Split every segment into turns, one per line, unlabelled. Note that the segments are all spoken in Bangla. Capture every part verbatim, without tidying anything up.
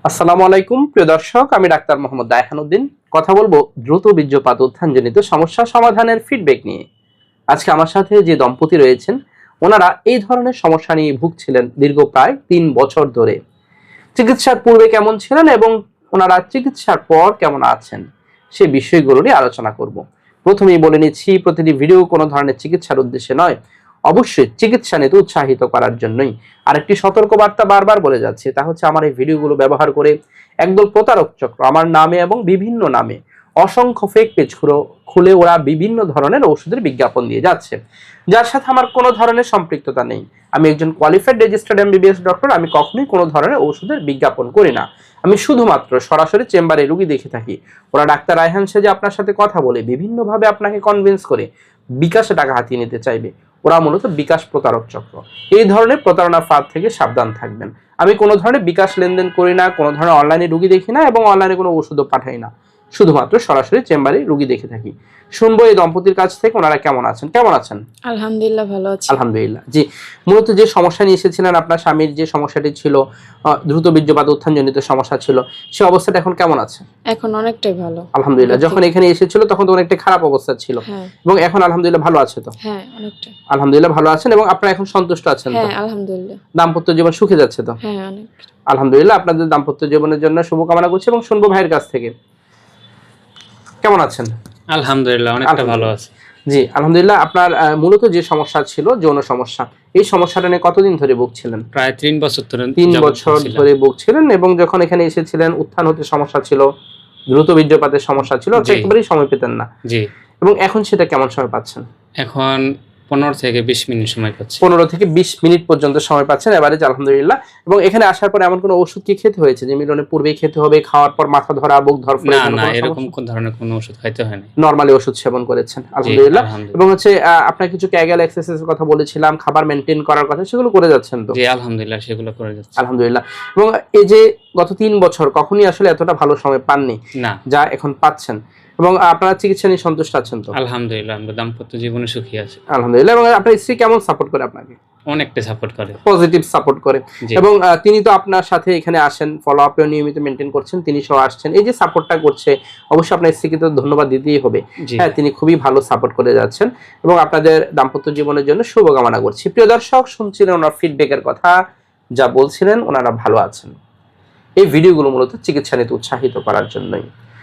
আসসালামু আলাইকুম প্রিয় দর্শক, আমি ডাক্তার মোহাম্মদ দায়হানুদ্দিন। কথা বলবো দ্রুত বীর্যপাত উত্থানজনিত সমস্যা সমাধানের ফিডব্যাক নিয়ে। আজকে আমার সাথে যে দম্পতি রয়েছেন, ওনারা এই ধরনের সমস্যা নিয়ে ভুগছিলেন দীর্ঘ প্রায় তিন বছর ধরে। চিকিৎসার পূর্বে কেমন ছিলেন এবং ওনারা চিকিৎসার পর কেমন আছেন, সে বিষয়গুলো নিয়ে আলোচনা করব। প্রথমেই বলে নিচ্ছি, প্রতিটি ভিডিও কোনো ধরনের চিকিৎসার উদ্দেশ্যে নয়, অবশ্যই চিকিৎসা নিতে উৎসাহিত করার জন্যই। আরেকটি সতর্কবার্তা বারবার বলে যাচ্ছে, তা হচ্ছে আমার এই ভিডিওগুলো ব্যবহার করে একদল প্রতারক চক্র আমার নামে এবং বিভিন্ন নামে অসংখ্য ফেক পেজ খুলে ওরা বিভিন্ন ধরনের ওষুধের বিজ্ঞাপন দিয়ে যাচ্ছে, যার সাথে আমার কোনো ধরনের সম্পৃক্ততা নেই। আমি একজন কোয়ালিফাইড রেজিস্টার্ড এমবিবিএস ডক্টর। আমি কখনোই কোনো ধরনের ওষুধের বিজ্ঞাপন করি না। আমি শুধুমাত্র সরাসরি চেম্বারে রুগী দেখে থাকি। ওরা ডাক্তার রায়হান সেজে আপনার সাথে কথা বলে বিভিন্নভাবে আপনাকে কনভিন্স করে বিকাশে টাকা হাতিয়ে নিতে চাইবে। ওরা মূলত বিকাশ প্রতারক চক্র। এই ধরনের প্রতারণা ফাঁদ থেকে সাবধান থাকবেন। আমি কোনো ধরনের বিকাশ লেনদেন করি না, কোনো ধরনের অনলাইনে রুগী দেখি না এবং অনলাইনে কোনো ওষুধও পাঠাই না। শুধুমাত্র সরাসরি চেম্বারে রুগী দেখে থাকি। শুনবো এই দম্পতির কাছ থেকে ওনারা কেমন আছেন। কেমন আছেন?
আলহামদুলিল্লাহ, ভালো আছি।
আলহামদুলিল্লাহ। জি, মূলত যে সমস্যা নিয়ে এসেছিলেন, আপনার স্বামীর যে সমস্যাটি ছিল, দ্রুত বীর্যপাত উত্থানজনিত সমস্যা ছিল, সে অবস্থাটা এখন কেমন আছে?
এখন অনেকটাই ভালো,
আলহামদুলিল্লাহ। যখন এখানে এসেছিল তখন তো অনেকটা খারাপ অবস্থা ছিল, এবং এখন আলহামদুলিল্লাহ ভালো আছে তো?
হ্যাঁ, অনেকটা
আলহামদুলিল্লাহ ভালো আছেন এবং আপনারা এখন সন্তুষ্ট আছেন তো?
হ্যাঁ, আলহামদুলিল্লাহ।
দাম্পত্য জীবন সুখে যাচ্ছে তো?
হ্যাঁ, অনেক।
আলহামদুলিল্লাহ। আপনাদের দাম্পত্য জীবনের জন্য শুভকামনা করছি এবং শুনবো ভাইয়ের কাছ থেকে। কেমন আছেন?
আলহামদুলিল্লাহ, অনেকটা ভালো আছে।
জি, আলহামদুলিল্লাহ। আপনার মূলত যে সমস্যা ছিল, যৌন সমস্যা, এই সমস্যাটা নিয়ে কতদিন ধরে ভুগছিলেন?
প্রায় তিন বছর ধরে।
তিন বছর ধরে ভুগছিলেন এবং যখন এখানে এসেছিলেন উত্থান হতে সমস্যা ছিল, দ্রুত বীর্যপাতের সমস্যা ছিল, একেবারেই সময় পেতেন না।
জি।
এবং এখন সেটা কেমন সময় পাচ্ছেন?
এখন পনেরো থেকে বিশ মিনিট সময় পাচ্ছি।
পনেরো থেকে বিশ মিনিট পর্যন্ত সময় পাচ্ছেন এভারেজ, আলহামদুলিল্লাহ। এবং এখানে আসার পর এমন কোনো ওষুধ কি খেতে হয়েছে যে মিলনের পূর্বেই খেতে হবে, খাওয়ার পর মাথা ধরা, বুক ধরফরে?
না না, এরকম কোন ধরনের কোনো ওষুধ খাইতে হয়নি।
নরমালি ওষুধ সেবন করেছেন, আলহামদুলিল্লাহ। এবং হচ্ছে আপনার কিছু ক্যাগেল এক্সারসাইজের কথা বলেছিলাম, খাবার মেইনটেইন করার কথা, সেগুলো করে যাচ্ছেন তো?
জি, আলহামদুলিল্লাহ, সেগুলো করে যাচ্ছি,
আলহামদুলিল্লাহ। এবং এই যে গত তিন বছর কখনই আসলে এতটা ভালো সময় পাননি
না,
যা এখন পাচ্ছেন, এবং আপনারা চিকিৎসা নিয়ে সন্তুষ্ট আছেন তো?
আলহামদুলিল্লাহ, আমরা দাম্পত্য জীবনে সুখী আছি,
আলহামদুলিল্লাহ। এবং আপনার স্ত্রী কেমন সাপোর্ট করে আপনাকে?
অনেকটা সাপোর্ট করে,
পজিটিভ সাপোর্ট করে। এবং তিনি তো আপনার সাথে এখানে আসেন, ফলো আপে নিয়মিত মেনটেন করছেন, তিনি সহ আসছেন, এই যে সাপোর্টটা করছে, অবশ্যই আপনার স্ত্রীকে তো ধন্যবাদ দিতেই হবে। হ্যাঁ, তিনি খুবই ভালো সাপোর্ট করে যাচ্ছেন এবং আপনাদের দাম্পত্য জীবনের জন্য শুভকামনা করছি। প্রিয় দর্শক, শুনছিলেন ওনার ফিডব্যাকের কথা, যা বলছিলেন ওনারা ভালো আছেন। এই ভিডিওগুলো মূলত চিকিৎসা নিতে উৎসাহিত করার জন্যই।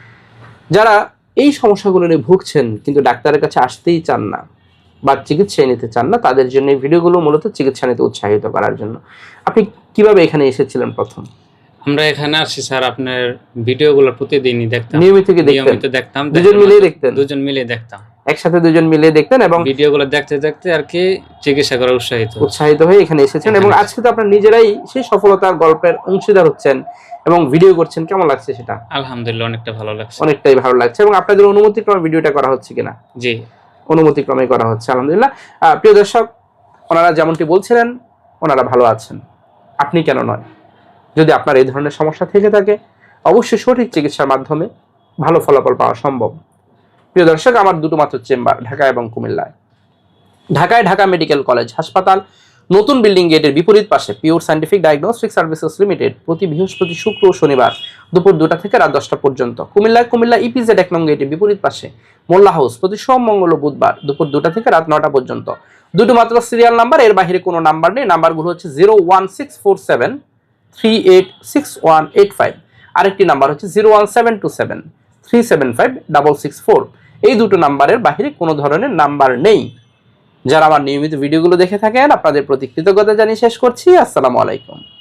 যারা এই সমস্যাগুলো নিয়ে ভুগছেন কিন্তু ডাক্তারের কাছে আসতেই চান না বা চিকিৎসা নিতে চান না, তাদের জন্য এই ভিডিওগুলো মূলত চিকিৎসা নিতে উৎসাহিত করার জন্য। আপনি কিভাবে এখানে এসেছিলেন প্রথম?
আমরা এখানে আসি স্যার, আপনার ভিডিওগুলো প্রতিদিনই দেখতাম,
নিয়মিত নিয়মিত দেখতাম, দুজন মিলে দেখতেন?
দুজন মিলে দেখতাম,
একসাথে দুজন মিলে দেখতেন এবং
ভিডিওগুলো দেখতে দেখতে আর কি চিকিৎসা করার উৎসাহিত
উৎসাহিত হয়ে এখানে এসেছেন। এবং আজকে তো আপনারা নিজেরাই সেই সফলতার গল্পের অংশীদার হচ্ছেন এবং ভিডিও করছেন। কেমন লাগছে সেটা?
আলহামদুলিল্লাহ, অনেকটা ভালো লাগছে,
অনেকটাই ভালো লাগছে। এবং আপনাদের অনুমতিক্রমে ভিডিওটা করা হচ্ছে কিনা?
জি,
অনুমতিক্রমে করা হচ্ছে, আলহামদুলিল্লাহ। প্রিয় দর্শক, ওনারা যেমনটি বলছিলেন ওনারা ভালো আছেন, আপনি কেন নয়? যদি আপনার এই ধরনের সমস্যা থেকে থাকে, অবশ্যই সঠিক চিকিৎসার মাধ্যমে ভালো ফলাফল পাওয়া সম্ভব। প্রিয় দর্শক, আমার দুটো মাত্র চেম্বার ঢাকা এবং কুমিল্লায়। ঢাকায় ঢাকা মেডিকেল কলেজ হাসপাতাল নতুন বিল্ডিং গেটের বিপরীত পাশে pure scientific diagnostic services limited, প্রতি বৃহস্পতি, শুক্র ও শনিবার দুপুর দুটা থেকে রাত দশটা পর্যন্ত। কুমিল্লায় কুমিল্লা ইপিজেড এক নং গেটের বিপরীত পাশে মোল্লা হাউস, প্রতি সোম, মঙ্গল ও বুধবার দুপুর দুটা থেকে রাত নটা পর্যন্ত। দুটো মাত্র সিরিয়াল নাম্বার, এর বাইরে কোনো নাম্বার নেই। নাম্বারগুলো হচ্ছে zero one six four seven three eight six one eight five, আরেকটি নাম্বার হচ্ছে zero one seven two seven three seven five double six four. এই দুটো নাম্বারের বাইরে কোনো ধরনের নাম্বার নেই। যারা আমার নিয়মিত ভিডিওগুলো দেখে থাকেন, আপনাদের প্রতি কৃতজ্ঞতা জানিয়ে শেষ করছি। আসসালামু আলাইকুম।